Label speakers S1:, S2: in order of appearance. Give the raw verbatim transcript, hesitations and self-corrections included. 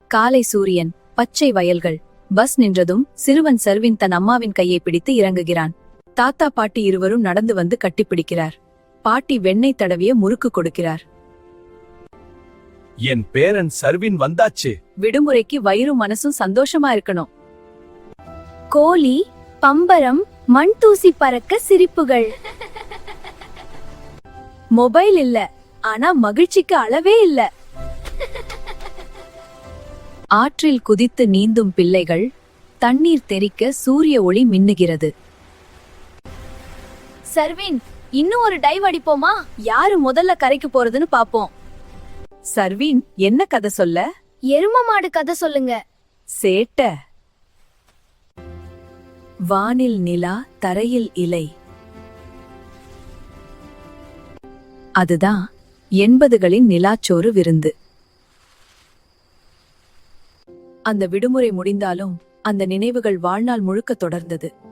S1: காலை சூரியன், பச்சை வயல்கள். பஸ் நின்றதும் சிறுவன் சர்வின் தன் அம்மாவின் கையை பிடித்து இறங்குகிறான். தாத்தா பாட்டி இருவரும் நடந்து வந்து கட்டிப்பிடிக்கிறார். பாட்டி வெண்ணெய் தடவிய முறுக்கு கொடுக்கிறார்.
S2: என் பேரன் சர்வின் வந்தாச்சு.
S1: விடுமுறைக்கு வயிறும் மனசும் சந்தோஷமா இருக்கணும்.
S3: கோழி, பம்பரம், மண் தூசி பறக்க சிரிப்புகள்.
S1: மொபைல் இல்ல, ஆனா மகிழ்ச்சிக்கு அளவே இல்ல. ஆற்றில் குதித்து நீந்தும் பிள்ளைகள். தண்ணீர் தெறிக்க சூரிய ஒளி மின்னுகிறது.
S3: சர்வின், இன்னும் ஒரு டைவ் அடிப்போமா?
S1: யாரு முதல்ல கரைக்கு போறதுன்னு பாப்போம். சர்வின், என்ன கதை சொல்ல?
S3: எரும மாடு கதை சொல்லுங்க.
S1: சேட்ட. வானில் நிலா, தரையில் இலை. அதுதான் எண்பதுகளின் நிலாச்சோறு விருந்து. அந்த விடுமுறை முடிந்தாலும் அந்த நினைவுகள் வாழ்நாள் முழுக்க தொடர்ந்தது.